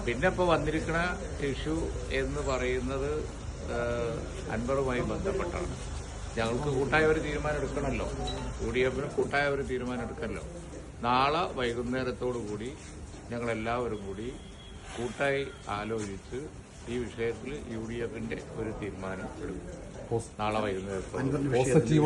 പിന്നെ ഇപ്പോൾ വന്നിരിക്കുന്ന ഇഷ്യൂ എന്ന് പറയുന്നത് അൻവറുമായി ബന്ധപ്പെട്ടാണ്. ഞങ്ങൾക്ക് കൂട്ടായ ഒരു തീരുമാനം എടുക്കണമല്ലോ, UDF കൂട്ടായ ഒരു തീരുമാനം എടുക്കണമല്ലോ. നാളെ വൈകുന്നേരത്തോടു കൂടി ഞങ്ങളെല്ലാവരും കൂടി കൂട്ടായി ആലോചിച്ച് ഈ വിഷയത്തിൽ UDF ഒരു തീരുമാനം എടുക്കും. നാളെ വൈകുന്നേരത്തോടു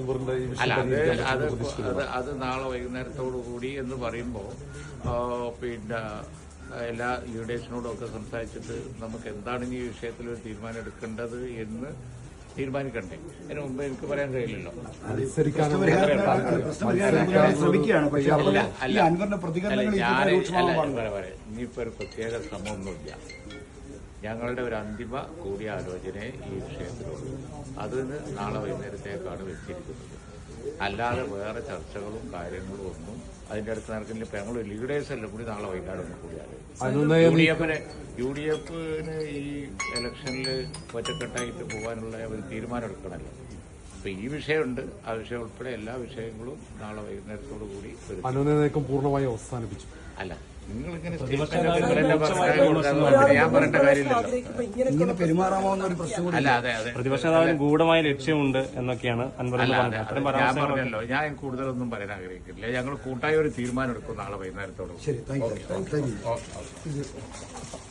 അത് നാളെ വൈകുന്നേരത്തോടു കൂടി എന്ന് പറയുമ്പോൾ പിന്നെ എല്ലാ ലീഡേഴ്സിനോടും ഒക്കെ സംസാരിച്ചിട്ട് നമുക്ക് എന്താണ് ഈ വിഷയത്തിൽ ഒരു തീരുമാനം എടുക്കേണ്ടത് എന്ന് തീരുമാനിക്കണ്ടേ. അതിന് മുമ്പ് എനിക്ക് പറയാൻ കഴിയില്ലല്ലോ. ഇനിയിപ്പോ ഒരു പ്രത്യേക ശ്രമമൊന്നുമില്ല. ഞങ്ങളുടെ ഒരു അന്തിമ കൂടിയാലോചനയെ ഈ വിഷയത്തിലുള്ളൂ. അതിന് നാളെ വൈകുന്നേരത്തേക്കാണ് വെച്ചിരിക്കുന്നത്. അല്ലാതെ വേറെ ചർച്ചകളും കാര്യങ്ങളും ഒന്നും അതിന്റെ അടുത്ത് നടക്കുന്നില്ല. ഇപ്പൊ ഞങ്ങൾ ലീഡേഴ്സ് എല്ലാം കൂടി നാളെ വൈകുന്നേരം ഒന്ന് കൂടിയാലോചന. UDF ഈ ഇലക്ഷനിൽ ഒറ്റക്കെട്ടായിട്ട് പോകാനുള്ള ഒരു തീരുമാനം എടുക്കണമല്ലോ. അപ്പൊ ഈ വിഷയമുണ്ട്, ആ വിഷയം ഉൾപ്പെടെ എല്ലാ വിഷയങ്ങളും നാളെ വൈകുന്നേരത്തോടു കൂടി പൂർണ്ണമായി അവസാനിപ്പിച്ചു. അല്ല, നിങ്ങളിങ്ങനെ ഞാൻ പറയേണ്ട കാര്യമില്ലല്ലോ. അല്ല, അതെ പ്രതിപക്ഷ നേതാവിന് ഗൂഢമായ ലക്ഷ്യമുണ്ട് എന്നൊക്കെയാണ് ഞാൻ പറഞ്ഞല്ലോ. ഞാൻ കൂടുതലൊന്നും പറയാൻ ആഗ്രഹിക്കില്ല. ഞങ്ങൾ കൂട്ടായ ഒരു തീരുമാനം എടുക്കും നാളെ വൈകുന്നേരത്തോട്.